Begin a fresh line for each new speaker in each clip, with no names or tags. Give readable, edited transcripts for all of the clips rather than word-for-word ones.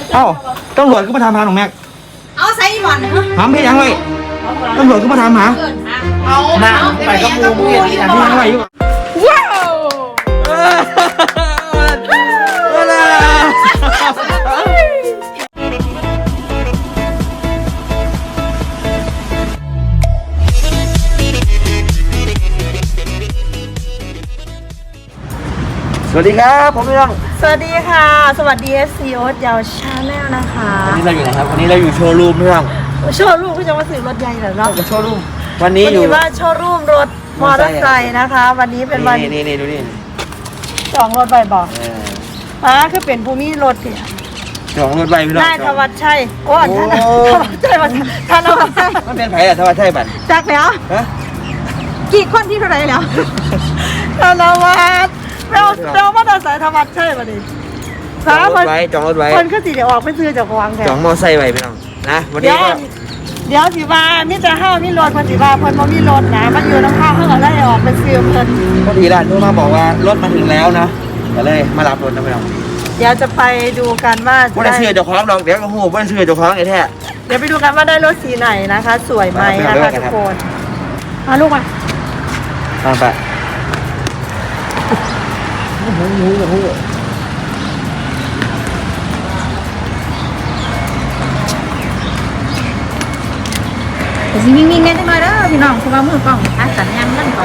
เอ้าตำรวจก็มาทำหาหนุ่มแม็ก
เอาใส่หมอนเหรอ
ถามพี่ยังไงตำรวจก็มาทำหา
เอา
ไปกับมูมึงอย่างนี้นะ
พี่ยังไงอยู่ว้าวสวัสดีครับผมพี่น้อง
สวัสดีค่ะสวัสดีSCโอ๊ตยาวชาแนลนะคะ
วันนี้เราอยู่ไหนครับวันนี้เราอยู่โชว์รูมพี่น้อง
โชว์รูมก็จะมาซื้อรถใหญ่เหรอเนาะ
โชว์รูมวันนี้อยู่
ว่าโชว์รูมรถมอเตอร์ไซค์นะคะวันนี้เป็นวัน
นี่ดูนี่
จองรถใบบอกคือเป็นภูมิรถเนี่ย
จองรถใบพี่น้อง
ได้ธวัชชัยโอ้ท่านธวัชชัยท่านธวัชชัย
มันเป็นไผ่อะธวัชชัยบัตร
จักแล้วกี่คนที่เท่าไหร่แล้วธนวัฒน์เรามอเตอร์ไซค์ธวัชชัยมาดิ
จองรถไว้
คนก็สิเดี๋ยวออกไปซื้อจากวางแถว
จองมอไซค์ไว้พี่น้องนะวันนี้
เดี๋ยวสิว่ามิจะห้ามิรถคนสิว่าคนบ่มีรถนะมันอยู่น้ำข้าวเขาก็ได้ออกไปซื้อเพิ่น
พอดีร้านโทรมาบอกว่ารถมาถึงแล้วนะก็เลยมารับรถนะพี่น้อง
เดี๋ยวจะไปดูกันว่า
ไม่ได้เชื่อเจ้าของลองเดี๋ยวก็หูไม่ได้เชื่อเจ้าของไอ้แท้
เดี๋ยวไปดูกันว่าได้รถสีไหนนะคะสวยไหมนะคะทุกคนมาลูกมา
ไป
แต่สิวิ่งๆได้จังเลยเด้อพี่น้องเพราะว่ามือกล้องนะคะสัญญาณมันเขา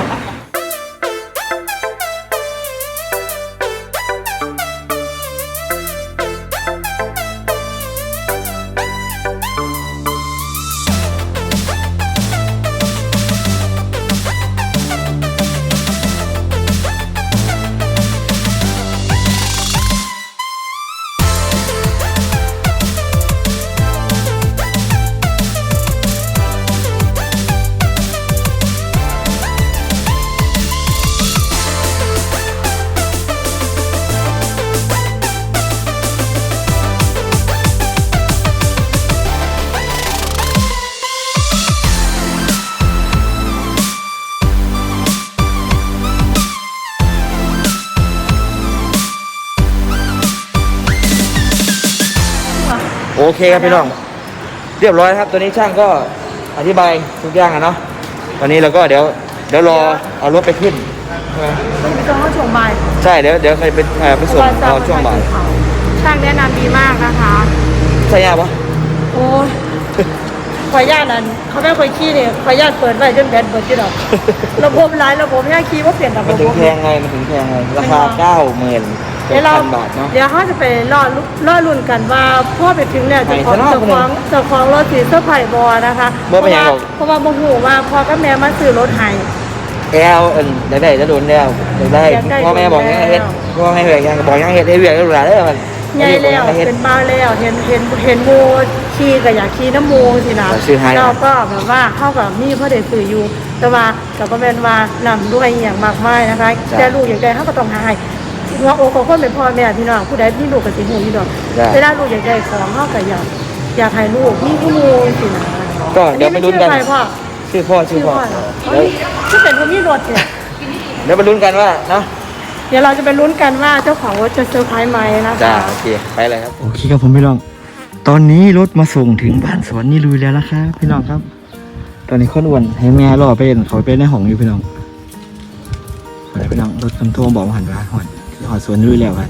โอเคครับพี่น้องเรียบร้อยครับตัวนี้ช่างก็อธิบายทุกอย่างเนาะตอนนี้เราก็เดี๋ยวรอเอารถไปขึ้น
ไปส่งเขาช่วงบ่าย
ใช่เดี๋ยวใครไปส่งเอาช่วงบ่าย
ช่างแนะนำดีมากนะคะ
ใช่ยากปะ
โอ้ยขอญาตนั่นเขาไม่เคยขี้เนี่ยขอญาตเปิดไว้จนแบตเบิดที่ดอกระบบหลายระบบเนี่ยขี้ว่าเปลี่ยนระบบ
มันถึงแพงไงราคา 90,000 เดี๋
ยวเขาจะไปรอรุ่นกันว่าพ่อไปถึงเนี่ยจะของรถสีเสื้อไผ่บอนะคะเพราะว่าโมโหว่าพ่อกับแม่มาซื้อรถให้
ได้จะโดนแล้วได้พ่อแม่บอกยังเฮ็ดพ่อแม่บอกยังเฮ็ดได้เวียกได้หลายได้มัน
ใหญ่แล้วเป็นบ้าแล้วเห็นโมขี่กับอยากขี่น้ำโมสินะเราก็แบบว่าเข้ากับนี่พ่อเด็กสื่ออยู่แต่ว่ากับก็เป็นว่านำด้วยอย่างมากมายนะคะแต่ลูกอย่างใดเขาก็ต้องหายว่าโอ้คนเป็นพ่อแม่พี่น้องผู้ใดที่ลูกกับสิหูอยู่ดอกเวลาลูกอยากได้ของเขาก็อยากให้ลูกมีผู้มูสินะ
ก็เดี๋ยวไปลุ้นกันชื่อพ่อ
ถ้าเป็นผู้มีรถเนี่ย
เดี๋ยวไปลุ้นกันว่าเนาะ
เดี๋ยวเราจะไปลุ้นกันว่าเจ้าของรถจะเซอร์ไพรส์ไหมนะคะ
โอเคไปเลยครับโอเคครับผมพี่น้องตอนนี้รถมาส่งถึงบ้านสวนนี่ลุยแล้วนะครับพี่น้องครับตอนนี้คนอ้วนให้แม่รอเป็นเขาไปในห้องอยู่พี่น้องพี่น้องรถคำโทงบอกว่าหันว่าหอดสวนลุยแล้วกัน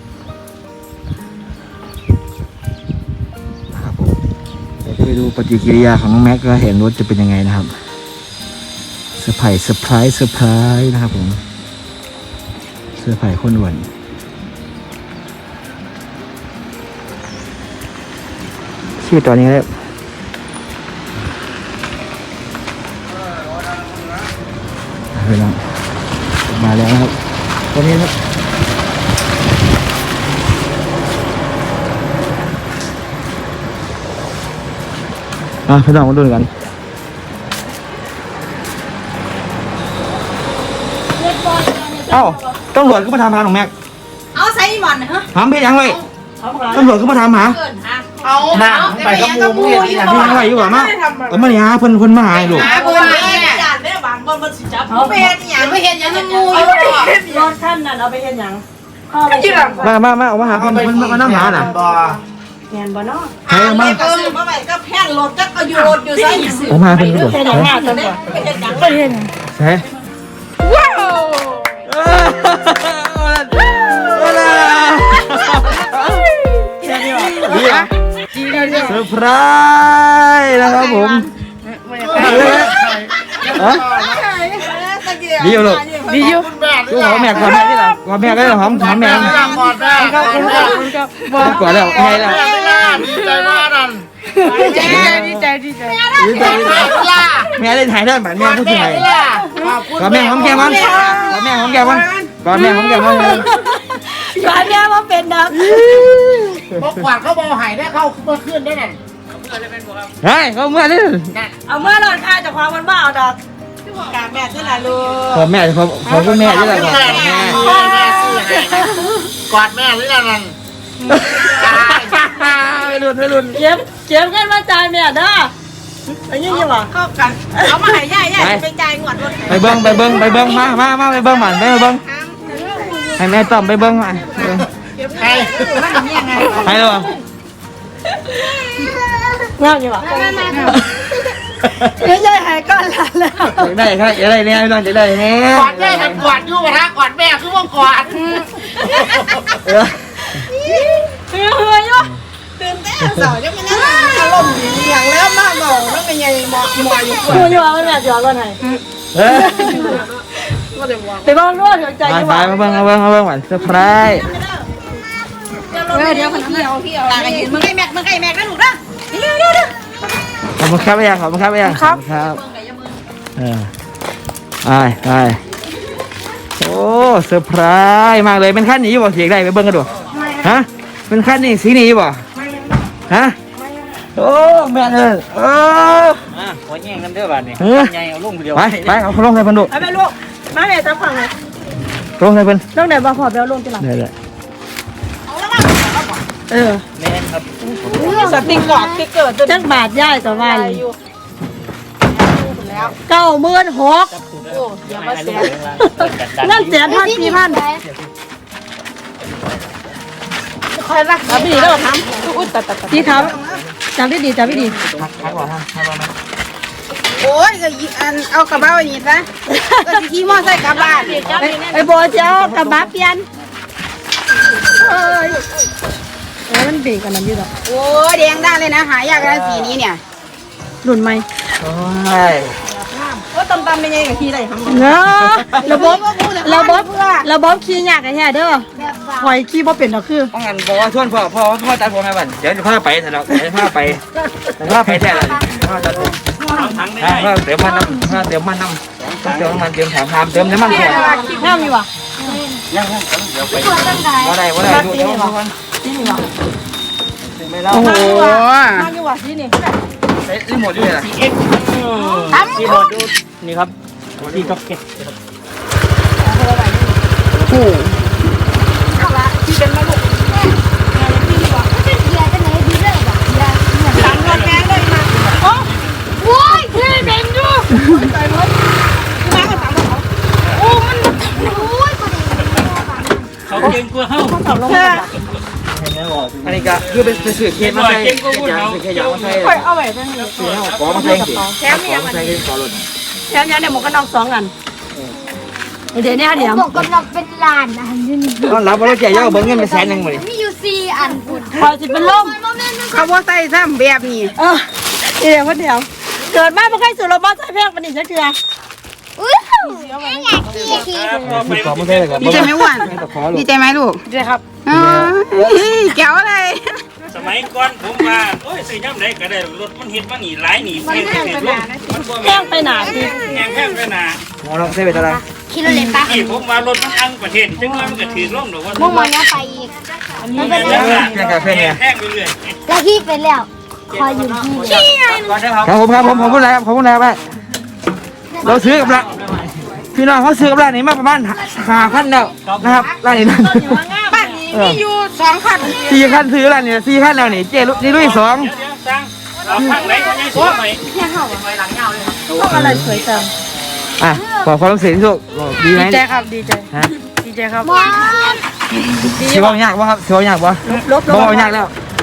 นะครับผมเดี๋ยวไปดูปฏิกิริยาของน้องแม็กก็เห็นรถจะเป็นยังไงนะครับเซอร์ไพรส์นะครับผมเสื้อผ้าคนอ้วนชื่อตอนนี้แล้วไปแล้วมาแล้วครับตอนนี้ครับพี่น้องมาดูกันเอ้าตำรวจก็มาทำหาหนุ่มแม็ก
เอาใส่หมอนเหรอ
ถามพี่ยังไงตำรวจก็มาทำหา
เอาไปกับมูมึงอย่างนี้นะ
พี่ยังไงอยู่หรอมามาเนี่ยเพิ่นมาหาลูก
ได้บางบนมันสิจับเอาไปเห็นอย่างไม่เห็นอย่างงูอยู่รถท่านนั่นเอาไปเห็นอย่างมาเอามาหาเพิ่นมานั่งหาน่ะแม่นบ่เนาะ
ใครเอามา
ก็ซื้อมาใหม่ก็แพงรถก็เอาอยู่รถอยู่ใส่
ผมมาเป็นกระโดด
เฮ็ดหยังมาจังบ่
ไปเฮ็ดหยัง
บ่เฮ็ด
ใช่
ว้าว
ดีอ่ะเซอร์ไพรส์นะครับผมดีอยู่ลูก
ดีอยู่
ดูหอมแม่ก่อนแม่ที่หลังก่อนแม่ก็หอมแม่
กอดแม่
ครับครับบ่
ก่อนแล้วไงแล้ว
ดีใจมากนั่น
ดีใจ
แม่เล่นถ่ายได้แบบแม่พูดถ่าย ก่อนแม่หอมแก้มมันก่อนแม่หอมแก้มมันก่อนแม่หอมแก้มมัน
ก่อนแม่ว่าเป็นดอก
บอกกวาดเขาบอกหายได้เข้าเมื่อคืนได้นั่น
เฮ้ยเขาเมื่อนี่
เอาเมื่อรถค่าจากความมันบ่เอาดอกกาแม่ที่ละลูก
ขอแม่ขอคุณแม่ด้วยก่อนแม่
แม่ซื้อให้กอดแม่หรือนั่น
ไม่รุน
เก็บกันมาจ่ายแม่เด้อไปยิ่งอยู่บ่
เข้ากันเอามาให้ย่าไปจ่ายงวดรถ
ไปเบิ้งมาไปเบิ้งมันไปเบิ้งให้แม่ต้อมไปเบิ้งมา
ใคร
ให้หรอ
งามอยู่บ่เดี๋ยวยายหายก้อนหลานแล้ว
ได้ครับจะได้เนี่ยพี่น้องจะได้เนี่ย
กอดแม่มันกอดอยู่ปะทะกอดแม่คือว่ากอด
เฮ้ยอยู่
ตื่นเต้นสาวยังไม่นั่งอารมณ์ดีอย่างแล้วมาเมาแล้วเป็นยังหมออยู่
กูอยู่ว่าแม่สิเอารถให้ไปบ้านรถใจอยู่
ไป
บ่
มาเบิ้งหวานเซอร์ไพรส์
เดี๋ยวมันพี่เอาตากันยืนมึงไอ้แม็กนะลูกนะเร็ว
ขอบคุณครับขอบคุณครับครับไปโอ้เซอร์ไพรส์มากเลยเป็นขั้นนี้บ่เสียงได้ไปเบิ้งกันดูฮะเป็นขั้นนี้สีนี้บ่ฮะโอ้แม่เลย
หัวแย่งกันเด้อบ้านนี่ใหญ่เอาลงเดียว
ไปเอาลงให้เพิ่นดู
ไปแม่ลูกมาแม่จะฟังเลย
ลงให้เพิ่น
ลงไหนบ่พอไปเอาลงที่หลัง
ได้
แม่นครับ
สติ๊กเกอร์ตัว
จักบาทย่ายต่อวัน
แล้ว
96,000
โอ้เดี๋ยวมาแสน
นั่น1,000,000 4,000
คอยรักษาพี่แล้วทำอุ้ยตัด
พี่ครับจำได้ดี
โอ้ยก็อันเอากระเป๋าอย่างนี้ซะก็สิขี่มอไซค์กลับบ้าน
ไอ้โบเจ้ากับบาเปลี่ยนเอ้ยมันเบรกกันนั้นอยู่ดอก
โอ้ยแดงได้เลยนะหายากนะสีนี้เนี่ย
รุ่นใหม่
โอ้ย
ว่าตำเป็นยังไงกับขี่ได้ทำ
เนาะระบบขี่ยากไอ้แท้เด้อหอยขี่บ่เป็นดอกคือ
ต้องงั้นบอกว่าชวนพ่อตัดผมให้บันเดี๋ยวจะพาไปเถอะเนาะเดี๋ยวพาไปแท้เลยพ่อตัดผม
ทั้งได้
พ่อเติมมันน้ำเติมน้ำมันเติมถังน้ำเติมน้ำมันก่อน
งามอยู่ว่ะ
ยังเดี๋ยวไป
ว่าได้ดูเดี๋ยวก่อน
นี่นี่ว่ะ
ไม่เล่า
โอ้โห
งามอยู่ว่ะนี่นี่
ใช้รีโมทด้วยนะ
ที่รถดูนี่ครับที่ก็เก็บ เขาเก่งกว่าเฮา
อันนี้ก็คือเป็นสื่อเคสมาใส่เคสยางมาใส่
ค่อยเอาไว้จังนี้
สีเฮาขอมาใส่สิขอมาใส่ขอรถ
แถมเนี่ยหมวกกันน็อก2อันเดี๋ยวนี้เดี๋ยว
บอกกำลังเป็นล้านอันนี้
ตอนรับรถแก่ย่อเบิ้งเงินไป100,000หมด
มีอยู่4อันคุณ
พอสิเป็นลม
เขาว่าใส่ซ้ำแบบนี้
เดี๋ยวเดี๋ยวเกิดมาบ่เคยสูรถมอเตอร์ไซค์แพงปานนี้จักเทื่อ
อุ้ยอยากขี่
ขอมาใส่ก่อน
ดีใจไหมวันดีใจไหมลูก
ใช่ครับ
แก้วอะไร
สมัยก่อนผมว่าโอ้ยซื้อย่ำไหนก็ได้รถมันเฮ็ดมาหนีหลายหนีแพงไปลงมันบ่
แพงไปหนาดิ
แพงไปหนา
หมอลองใส่ไปเท่าไหร่
คิดเลยปะ
ที่ผมว่ารถมันอังประเทศจังว่ามันก็ถือล่มดอกว่า
มุ่งมันเนี่ยไปอีก
มันเป็นแพงไปเรื่อย
แล้วพี่เป็นแล้วคอยอยู่ที่
ครับผมพูดอะไรครับผมพูดอะไรไปเราซื้อกับละพี่น้องเขาซื้อกับร้านนี้มาประมาณ5,000แล้วนะครับร้านนี้นะ
บ้านนี้มีอยู่2คัน
4 คันซื้อร้านนี้4 คันแล้วนี่เจ๊นี่ลุย2
ๆสั่งเอาข้างไหนก็ยังซื้อไป
พวกอะไรสวยจัง
อ่ะขอความรู้สึกที่สุดดีไหม
ดีใจครับดีใจ
ฮะ
ดีใจครับ
ว้า
สิว่ายากป่ะครับสิว่ายากป่ะ
ลบ
บ่ยากแล้วพอ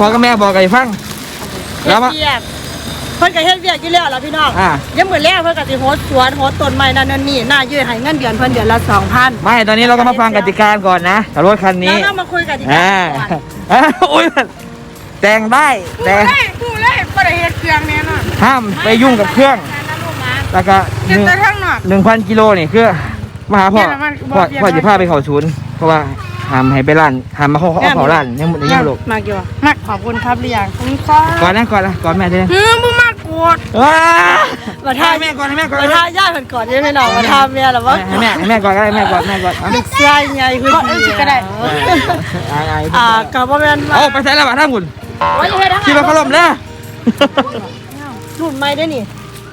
พ่อกับแม่บอกกันฟังแล้วมา
เฮ็ดเวียกเพิ่นก็เฮ็ดเวียกอยู่แล้วล่ะพี่น้อง ยังมื้อแรกเพิ่นก็สิโฮสต์สวนโฮสต์ต้นไม้นั่นนี่น่ายืดให้เงินเดือนเพิ่นเดือนละ 2,000
ไม่ตอนนี้เราก็มาฟังกติกาก่อนนะกับรถคันนี้
แล้วเรามาคุยกันดีกว่าก่อน
โอ้ยแต่งได้แต่
พูดเลยบ่ได้เฮ็ดเครื่องแน่นอน
ห้ามไปยุ่งกับเครื่อง แล้วก็
เฮ็ดแต่ทางนอก
1,000 กิโลนี่คือมาหาพ่อ
เนี่ยมัน
พ่อจะพาไปเข้าศูนย์เพราะว่าห้ามให้ไปร้านห้ามมาเข้าร้านยังหมดยังลูก
มากอยู่มากขอบคุณครับหรือยังขอบคุณครับ
ก่อนนะก่อนแม่ได้
บ่มากกด
มาท่า
ให้แม่ก่อนให้แม่ก่อน
มาท่าย่าเพิ่นก่อนได้ไหมน้องมาท่าแม่ล่ะว่า
ให้แม่ก่อนก็ได้แม่ก่อนเอา
ลูกชายใหญ่ขึ้นดีก็ได้ก็บ่แม่นว่า
เอาไปใส่แล้วบ้าท่าคุณ
ว่าจะเฮ็ดทาง
คิดว่าเขาล่มแล้ว
รุ่นใหม่ได้นี่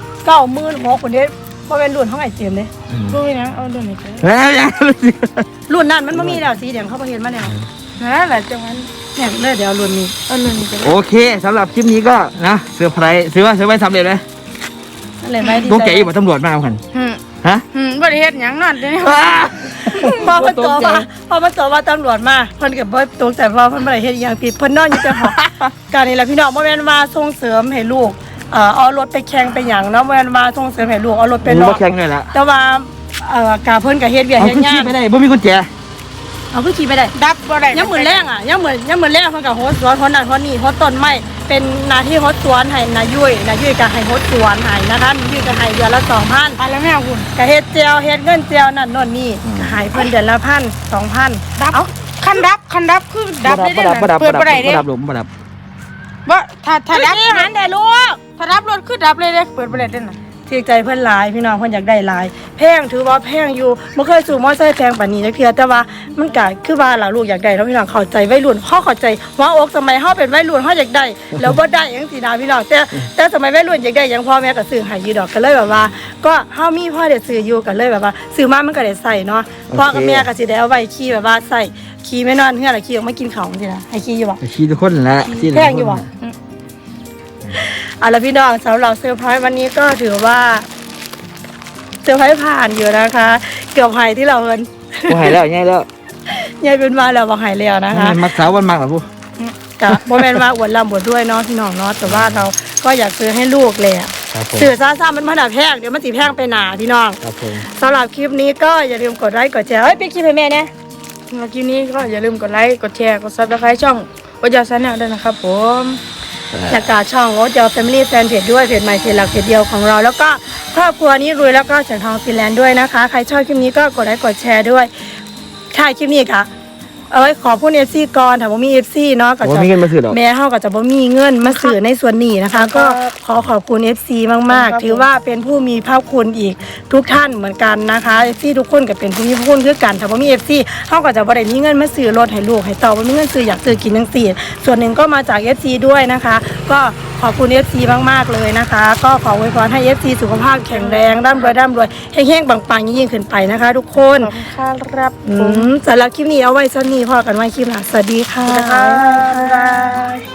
96,000คนเด้บ่แม่นรุ่นของไอ้เจมส์เด้
รู้นะเอาเดี๋ยวนี้
แล้วยัง
รุ่นนั้นมันบ่มีแล้วสีแดงเขาบ่เห็นมาแล้ว
นั่นแหละจังนั้น
เนี่ยเลยเดี๋ยวรุ่นนี้
เอาเรื่องนี้ไป
โอเคสำหรับคลิปนี้ก็นะเซอร์ไพรส์ซื้อไว้สำเร็จเลย
นั่นแหละไม่ดี
ตัวแกอยู่กับตำรวจมาเอากันฮะ
บ่ได้เฮ็ดหยังนั่นเด้
พอมันตัวว่าตำรวจมาเพิ่นก็บ่ตกใจว่าเพิ่นบ่ได้เฮ็ดอีหยังผิดเพิ่นนอนอยู่แต่หอการนี่แหละพี่น้องบ่แม่นว่าส่งเสริมให้ลูกเอารถไปแข่งไปหยังเนาะบ่แม่นว่าส่งเสริมให้ลูกเอารถไปล
ร
อ
ถ
ก
แข่งเลยล่ะ
แต่ว่ากาเพิ่นก็เฮ็ดเวียก
เอา
เฮ็ด
ขึ้น
งา
ขี่
น
ไปได้บ่มีกุญแจ
เอาขึ้นขี่ไปได้
ดับบ่ได้
ยังมื้อแรงยังมื้อแรงเพิ่นก็โฮสต์สวนคนนั้นคนนี้โฮสต์ต้นไม้เป็นหน้าที่โฮสต์สวนให้นายุ้ยก็ให้โฮสต์สวนให้นะคะนายุ้ยก็ให้เดือนละ 2,000
ไปแล้วแม่คุณ
ก็เฮ็ดเจียวเฮ็ดเงินเจียวนั่นโน่นนี่ก็ให้เพิ่นเดือนละ 1,000 2,000
ดับคันดับคือดับได้
บ่ดับ
เปิดบ่ได้เด้
บ่ดับหลุมบ่ดับ
บ่ถ้าดับ
นี่หันได้ลูก
ถ้าดับรถคือดับเลยเด้เปิดบ่ได้เด้น่ะ
ถือใจเพิ่นหลายพี่น้องเพิ่นอยากได้หลายแพงถือว่าแพงอยู่บ่เคยสู่มอไซค์แพงปานนี้จักเทื่อแต่ว่ามันก็คือว่าล่ะลูกอยากได้แล้วพี่น้องเข้าใจวัยรุ่นเฮาเข้าใจหัวอกสมัยเฮาเป็นวัยรุ่นเฮาอยากได้แล้วบ่ได้จังซี่นะพี่น้องแต่สมัยวัยรุ่นอยากได้หยังพ่อแม่ก็ซื้อให้อยู่ดอกก็เลยแบบว่า ก็เฮามีพ่อได้ซื้ออยู่ก็เลยแบบว่าซื้อมามันก็ได้ใส่เนาะพ่อกับแม่ก็สิได้เอาไว้ขี่แบบว่าใส่ขี่ไม่นอนเฮือนแล้วขี่ออกมากินข้าวจังซี่นะให้ขี่อยู่บ่
ขี่ทุกคนแหละขี่
แพงอยู่บ่เอาล่ะพี่น้องสำหรับเซอร์ไพรส์วันนี้ก็ถือว่าเซอร์ไพรส์ผ่านอยู่นะคะ เกือบหายที่เราเอิน
บ่หายแล้วง่ายแล้ว
ยายเป็นมาแล้วบอกหายแล้วนะคะ
มักสาววันมักเหรอผู้
กับโมเมนว่าอวดลำบวดด้วยเนาะพี่น้องเนาะแต่ว่าเราก็อยากซื้อให้ลูกเลยอะ
ครับผม
สื่อซ่าๆมันมาดับแพงเดี๋ยวมันสีแพงไปหนาพี่น้อง
ครับผม
สำหรับคลิปนี้ก็อย่าลืมกดไลค์กดแชร์เฮ้ยไปคลิปให้แม่เนี่ย
เมื่อกี้นี้ก็อย่าลืมกดไลค์กดแชร์กด Subscribe ช่องวัจชาแนลด้วยนะครับผม
อยากกาช่องโอ๊ตเจอ Family Fan Page ด้วยเพจใหม่เพจหลักเพจเดียวของเรา แล้วก็ครอบครัวนี้รวยแล้วก็เสียงทองฟินแลนด์ด้วยนะคะใครชอบคลิปนี้ก็กดไลค์กดแชร์ด้วยถ่ายคลิปนี้ค่ะเอาไว้ขอพูด FC ก่อนถ้าบ่มี FC เนาะก็
บ่
จะ
มีเงินมาซื้อดอก
แม่เฮาก็จะบ่มีเงินมาซื้อในส่วนนี้นะคะ ก็ขอขอบคุณ FC มากๆถือว่าเป็นผู้มีพระคุณอีกทุกท่านเหมือนกันนะคะ FC ทุกคนก็เป็นผู้มีพระคุณคือกันถ้าบ่มี FC เฮาก็จะบ่ได้มีเงินมาซื้อรถให้ลูกให้เต่าบ่มีเงินซื้ออยากซื้อกินจังซี่ส่วนหนึ่งก็มาจาก FC ด้วยนะคะ ก็ขอบคุณ FC มากๆเลยนะคะ ก็ขออวยพรให้ FC สุขภาพแข็งแรงร่ำรวยเฮงๆปังๆยิ่งๆขึ้นไปนะคะ ทุกคน
ขอบคุณครับ
สำหรับคลิปนี้เอาไว้ซะนี้พอกันไว้คลิปหน้าสวัสดีค่ะ
บ๊ายบาย